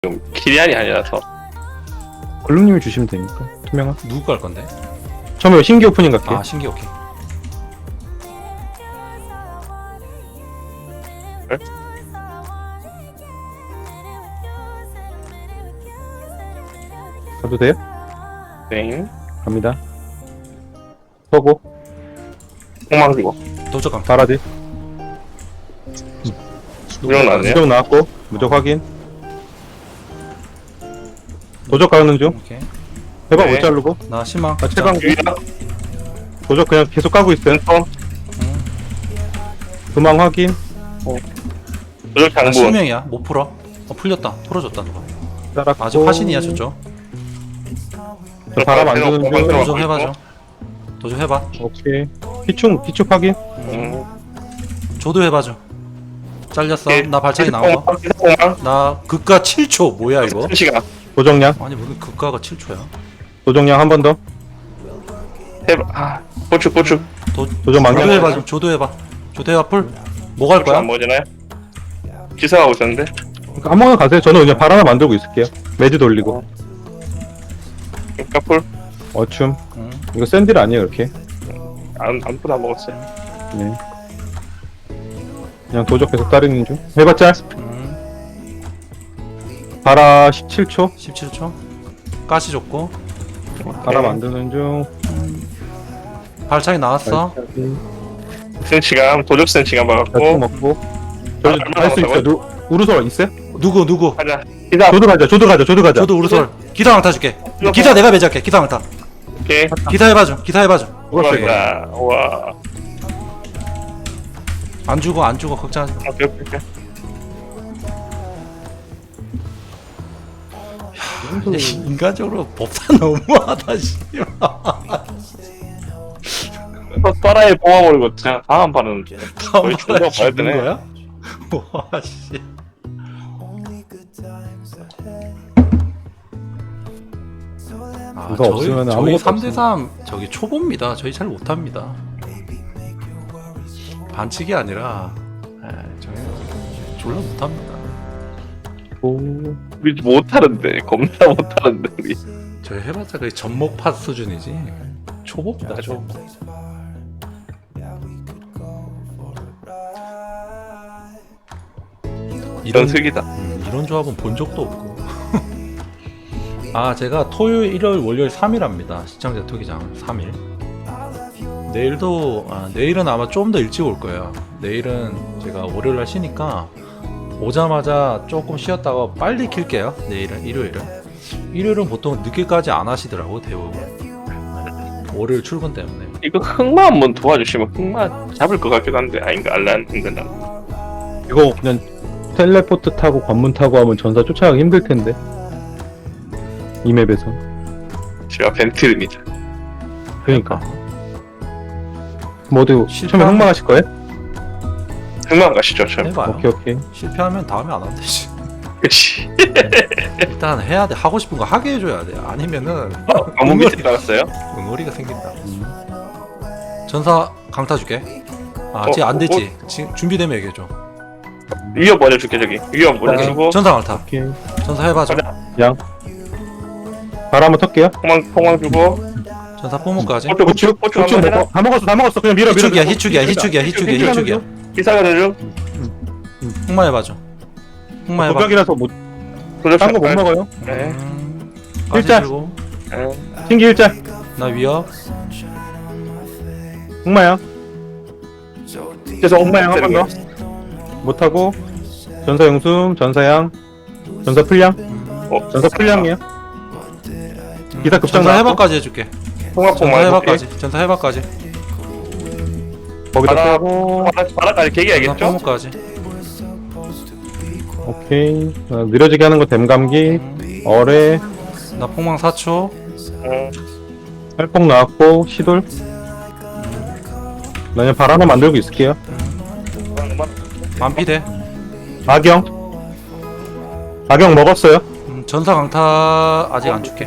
키리안이 아니라서. 글룸님이 주시면 되니까. 투명한. 누구 갈 건데? 처음에 신기 오프닝 갈게요. 아 신기 오케이. 가도 돼요? 네. 갑니다. 서고 폭망 주고. 도적 강. 바라디. 무적 나왔네. 무적 나왔고 무적 확인. 도적 가는 중. 오케이. 해방 네. 못 자르고. 나 신망. 아, 최강 유야. 도적 그냥 계속 까고 있어요. 왼손. 도망 확인. 무적 나 장군. 실명이야. 못 풀어. 풀렸다. 풀어줬다 누가. 따랐고. 아직 화신이야 저쪽. 저 바람 안 드는 중. 도적 해봐줘. 도적 해봐. 오케이. 피충 확인. 조도 해봐줘. 잘렸어. 오케이. 나 발차기 나온 거. 폭망. 나 극가 7초. 뭐야 이거? 시간. 도적량. 아니 무슨 극가가 7초야? 도적량 한 번 더. 해봐. 아, 보축. 도적 조도 망령. 해봐. 조도 해봐. 조도 해봐 풀. 뭐 갈 거야? 안 보이잖아요. 기사하고 있었는데. 그러니까 아무거나 가세요. 저는 그냥 발 하나 만들고 있을게요. 매즈 돌리고. 까풀. 어춤. 응. 이거 샌딜 아니에요 이렇게. 아무도 안 먹었어요. 네. 그냥 도적 계속 따르는 중. 해봤자. 바라 17초. 17초. 가시 줬고. 바라 만드는 중. 발차기 나왔어. 센 시간. 도적 센 시간 대충 받았고. 먹고. 얼마 할 수 있어요. 남았다고요? 우르솔 있어요? 누구? 가자. 기사. 조드 가자. 저도 우르솔. 기사 강타 줄게. 기사 내가 매질할게. 기사 강타. 오케이. 기사 해봐줘. 고맙습니다. 우와. 안 죽어 걱정하지 마. 오케이. 인간적으로 법사 너무하다 씨발. 따라에 뽑아버리고 그냥 다음 판은 거의 존나 봐야 되네. 거야? 와 씨. 아, 이거 없으면 저희 아무것도 3대3 저기 초보입니다. 저희 잘 못합니다. 반칙이 아니라 저희 졸라 못합니다. 우리 못하는데 겁나 못하는데 우리. 저희 해봤자 거의 전목팟 수준이지 초보입니다. 초보. 이런 색이다. 이런 조합은 본 적도 없고. 아 제가 토요일, 일요일, 월요일 3일 합니다. 시청자 투기장 3일. 내일은 아마 좀 더 일찍 올 거예요. 내일은 제가 월요일 날 쉬니까 오자마자 조금 쉬었다가 빨리 킬게요. 내일은 일요일은 보통 늦게까지 안 하시더라고 대부분. 월요일 출근 때문에. 이거 흑마 한번 도와주시면 흑마 잡을 것 같기도 한데 아닌가 알란 인간다. 이거 그냥 텔레포트 타고 관문 타고 하면 전사 쫓아가기 힘들 텐데. 이 맵에서. 제가 벤트입니다. 그러니까. 모두 실패하면- 처음에 흑마 하실 거예요? 흑마 가시죠, 참. 해봐요. 오케이. 실패하면 다음에 안 하면 되지. 그렇지. 일단 해야 돼. 하고 싶은 거 하게 해줘야 돼. 아니면은 아무 밑에 깔았어요? 응어리가 생긴다. 전사 강타 줄게. 아 아직 안 됐지. 지금 준비되면 얘기해줘. 위협 먼저 줄게 저기. 위협 먼저 오케이. 주고 전사 강타. 오케이. 전사 해봐줘. 양. 바라 한번 털게요. 폭망 주고. 전사 뽀목까지. 고추 고추 한번 해라. 먹어. 다 먹었어. 그냥 밀어. 희축이야. 기사가 되죠. 흑마 해봐줘. 흑마 해봐. 도벽이라서 못. 도적 딴 거 못 먹어요. 네. 일자. 일자. 네. 신기 일자. 나 위협. 흑마야. 그래서 흑마양 한 번 더. 못하고. 전사 용숨, 전사양, 전사 풀량. 전사 풀량이에요. 기사 급장 전사 나왔고. 해봐까지 해줄게. 폭망 전사 해봐까지. 전사 해봐까지. 거기다 빼고. 바닥까지 전사 개기야겠죠? 뽀목까지. 오케이. 느려지게 하는 거 댐감기. 어뢰. 나 폭망 4초. 활폭 나왔고. 시돌. 나 그냥 발 하나 만들고 있을게요. 만피대. 악영. 악영 먹었어요. 전사 강타 아직 안 줄게.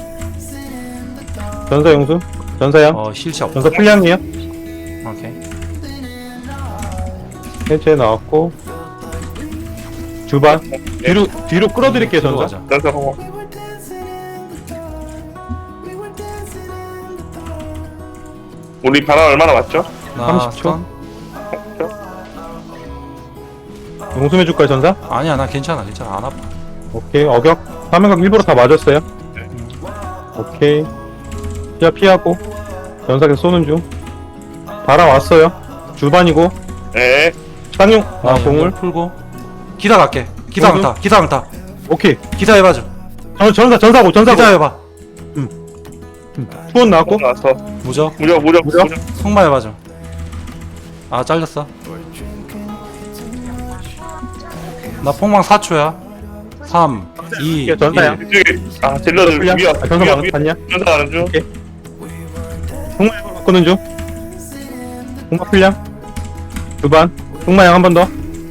전사 용수. 전사양. 힐차 없어. 전사 풀량이에요. 오케이. 해제 나왔고. 주반. 뒤로 끌어드릴게요, 뒤로 전사. 가자. 전사 공업. 우리 바람 얼마나 왔죠? 나 30초. 스턴? 용숨해줄까요, 전사? 아니야 나 괜찮아 안 아파. 오케이, 어격. 화면각 일부러 다 맞았어요. 오케이. 피하고. 전사 계속 쏘는 중. 바람 왔어요. 주반이고. 네. 쌍용. 나 공을. 연결 풀고 기다 갈게. 기다 공을? 강타 기다 강타 오케이. 기다 해봐줘. 전사고. 기다 해봐. 투원 나왔고. 나왔어. 무적 무적. 성마 해봐줘. 아 잘렸어. 나 폭망 4초야. 3 2 이게 전사야. 1. 이쪽에 딜러들 풀량. 위협. 전사 맞았냐? 전사 가는 중. 오케이. 홍마 바꾸는 중. 홍마 풀량. 주반. 홍마양 한 번 더.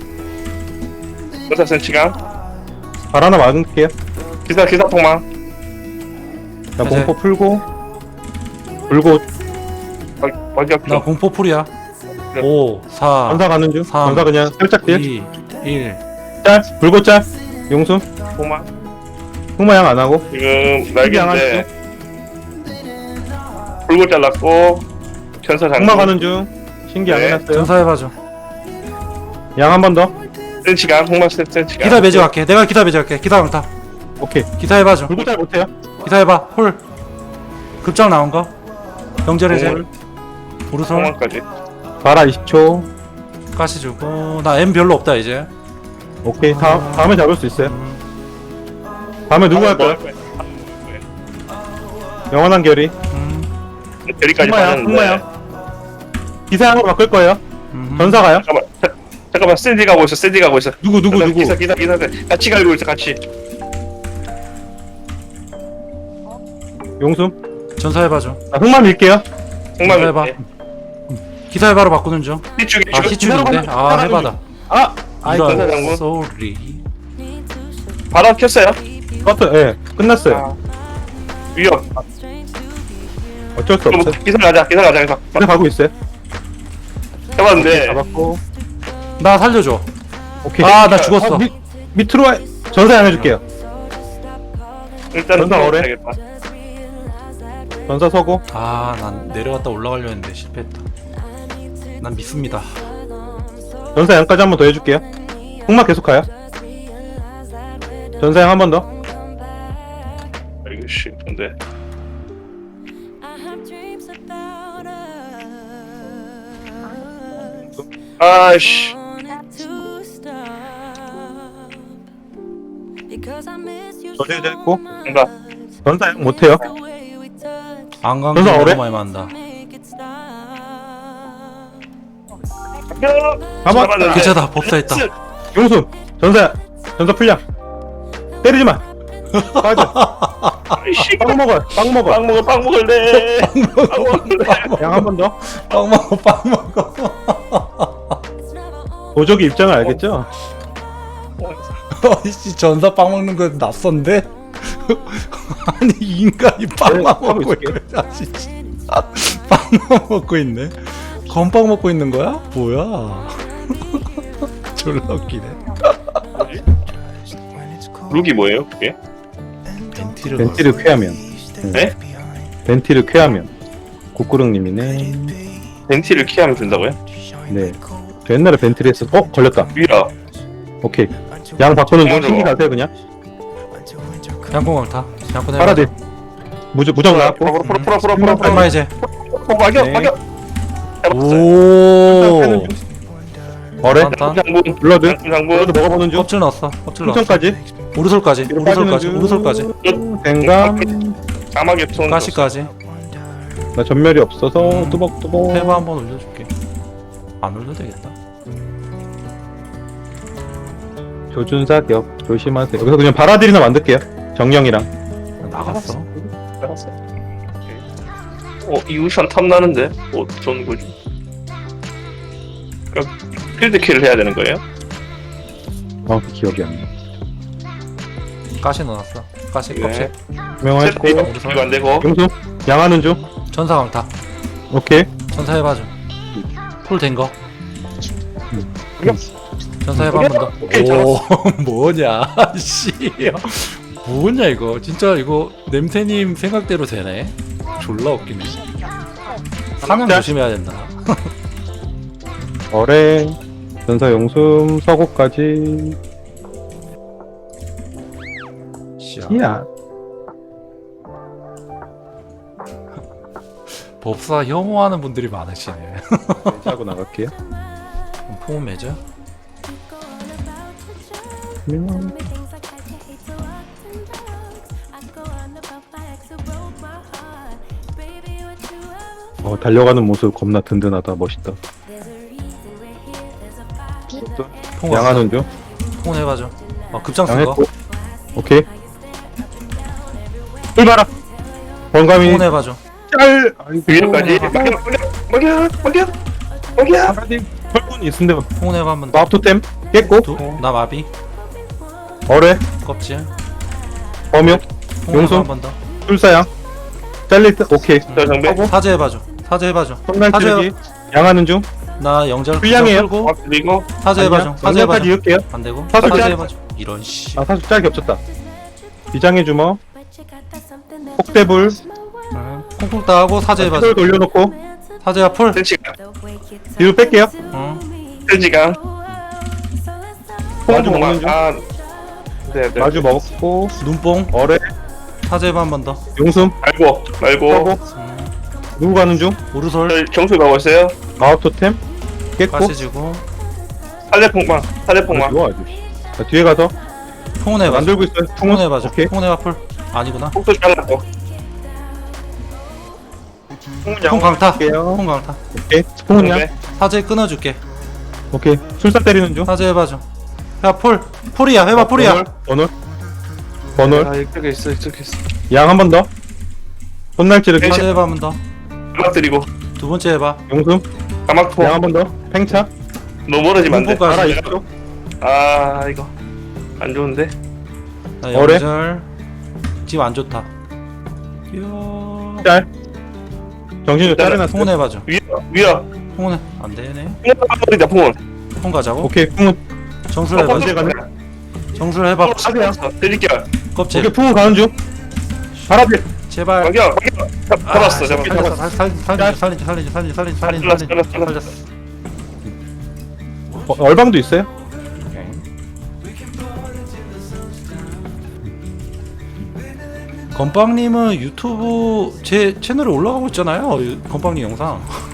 전사 센치강. 발 하나 막을게요. 기사 폭망. 자, 이제. 공포 풀고. 불고. 발격 나 중. 공포 풀이야. 5 4 전사 가는 중. 삼, 전사 그냥 살짝 딜. 2 1. 짤. 불고 짤. 용숨. 폭망. 홍마양 안 하고. 지금 날개인데 불고 잘랐고 전사 장군. 홍마 가는 중. 신기 안 네. 해놨어요. 전사 해봐줘. 양 한 번 더. 센치강. 홍마 센치강. 기다 매직할게. 내가 기다 매직할게. 기다 강타. 오케이. 기다 해봐줘. 불고 짤 못해요. 기다 해봐. 홀. 급장 나온 거. 병절해제. 공을. 우르솔. 폭망까지. 바라 20초. 가시 주고. 나 M 별로 없다 이제. 오케이. 다음에 잡을 수 있어요. 다음에 누구 할 거야? 영원한 결의. 여기까지 홍마양. 봤는데. 홍마양. 기사양으로 바꿀 거예요. 전사 가요. 잠깐만 샌디 가고 있어. 누구. 기사 같이 갈고 있어 같이. 용숨. 전사 해봐줘. 나 흑마 밀게요. 홍마 해봐. 기사 해봐로 바꾸는 중. 이쪽에 아 희축인데. 아 해봐다. 전사 이런 장군. 소리. 바로 켰어요. 버튼, 예. 끝났어요. 위협. 어쩔 수 없어. 기사 가자. 그냥 가고 있어요. 해봤는데 잡았고. 나 살려줘. 오케이. 아 나 죽었어. 밑으로 와. 전사 양 해줄게요. 일단은 전사 어뢰? 해야겠다. 전사 서고. 아 난 내려갔다 올라가려 했는데 실패했다. 난 믿습니다. 전사 양까지 한 번 더 해줄게요. 흑마 계속 가요. 전사 양 한 번 더. 이거 씨 근데 아씨 저지해제 했고. 뭔가 전사 양 못해요. 안 간 전사 게 어뢰? 너무 많이 만다. 가만. 괜찮다. 법사했다. 용숨. 전사 풀량. 때리지 마. 빠져. 아이씨 빵 먹어. 빵 먹을래. 양 한 번 더. 빵 먹어 빵 먹어. 도적이 입장을 알겠죠? 어이씨 전사 빵 먹는 거 낯선데? 아니 이 인간이 빵만 하고 먹고 있을게요. 있네. 아 진짜 빵만 먹고 있네. 건빵 먹고 있는 거야? 뭐야? 졸라 웃기네. 룩이 뭐예요 그게? 벤티를 쾌하면. 네? 벤티를 쾌하면. 국구릉님이네. 벤티를 키하면 된다고요? 네. 저 옛날에 벤티를 했어. 걸렸다. 위라 오케이. 양 바꾸는 중. 맞아. 신기 가세요 그냥. 양궁강타. 양궁 해봐. 파라딜. 무적 나왔고. 풀어 얼마 이제? 막여 네. 오. 어뢰. 딴. 장군 블러드. 장군 블러드 먹어보는 중. 껍질 넣었어. 껍질 넣었어. 풍선까지. 우르솔까지. 우르솔까지. 우르솔까지. 댕감. 까마귀 손 가시까지. 나 전멸이 없어서 뚜벅뚜벅. 페바 한번 올려줄게. 안 올려도 되겠다. 조준사격 조심하세요. 여기서 그냥 바라딜이나 만들게요. 정령이랑. 나갔어. 이우션 탐나는데 좋은 거지. 그러니까 필드 킬을 해야 되는 거예요? 정확히 기억이 안 나. 가시 넣어놨어. 가시 네. 껍질. 명했고. 그리고 안 되고 용수. 양하는 중. 전사 강타. 오케이. 전사 해봐줘. 풀 된 거. 전사해봐 한 번 더. 오케이, 오 뭐냐 씨 뭐냐 이거 진짜 이거 냄새님 생각대로 되네. 졸라 웃기네. 사냥 조심해야 된다. 어뢰, 전사 용숨, 서고까지. 씨야. 이야. 법사 혐오하는 분들이 많으시네. 하고 나갈게요. 포옹 매죠? 달려가는 모습 겁나 든든하다. 멋있다. 포옹 양하는 중. 포옹 해봐줘. 급장 쓴 거. 양했고. 오케이. 출발아. 번감이 포옹 해봐줘. 짤. 위에까지. 먹여. 파라딘 혈군 있은데 포옹 해봐 한 번 더. 마법토템 깼고. 나 마비. 어뢰, 껍질. 범용, 포옹 해봐 용손. 한 번 더. 술사양. 잘릴 듯. 오케이. 자 정배. 사제 해봐줘. 사제 해봐줘. 손날 사제. 찌르기. 양하는 중. 나 영절 불량이에요. 끌고 그리고 사제 해봐줘. 사제 해봐줘. 까지 이을게요. 안 되고. 사슬 사제 짤. 해봐줘. 이런 씨. 아 사실 짤 겹쳤다. 비장의 주먹. 폭대불. 콩콩 따하고 사제 해봐줘. 을 돌려놓고 사제야 풀. 센치강. 뒤로 뺄게요. 센치강. 마주 먹는 중. 네. 마주 먹고 눈뽕. 어뢰, 사제 해봐 한 번 더. 용숨, 말고. 서고. 누구 가는 중? 우르솔. 경수 가고 있어요. 마법토템 깼고. 가시 주고. 살레폭망. 살레폭망. 좋아 아주. 자, 뒤에 가서 풍운 해봐줘. 만들고 있어요. 풍운 해봐줘. 오케이. 풍운 해봐 풀. 아니구나. 폭도 잘랐고. 풍 강타. 할게요. 풍 강타. 오케이. 스폰이야. 사제 끊어줄게. 오케이. 술사 때리는 중. 사제 해봐줘. 야 풀. 풀이야. 해봐 풀이야. 번홀. 번홀. 아 이쪽에 있어. 양 한 번 더. 손날 찌르기. 사제 해봐 한 번 더. 가막 드리고. 두 번째 해봐. 용숨. 가막 양 한 포. 번 더. 팽차. 너무 멀어지면 안 돼. 눈뽕까지. 알아 이쪽. 아 이거 안 좋은데. 나 어뢰? 영절. 지금 안 좋다. 이야. 짤. 정신줄 짜려놨어. 풍운 해봐줘. 위야. 풍운 해. 안 되네. 풍원이다 풍원. 풍 가자고. 오케이. 풍은. 정술 해봐. 언제 가네? 정술 해봐. 드릴게요. 껍질. 오케이. 풍은 가는 중. 파라딜. 제발. mag여. 잡았어. 살렸어. 얼방도 있어요? 건빵님은 유튜브 제 채널에 올라가고 있잖아요. 건빵님 영상.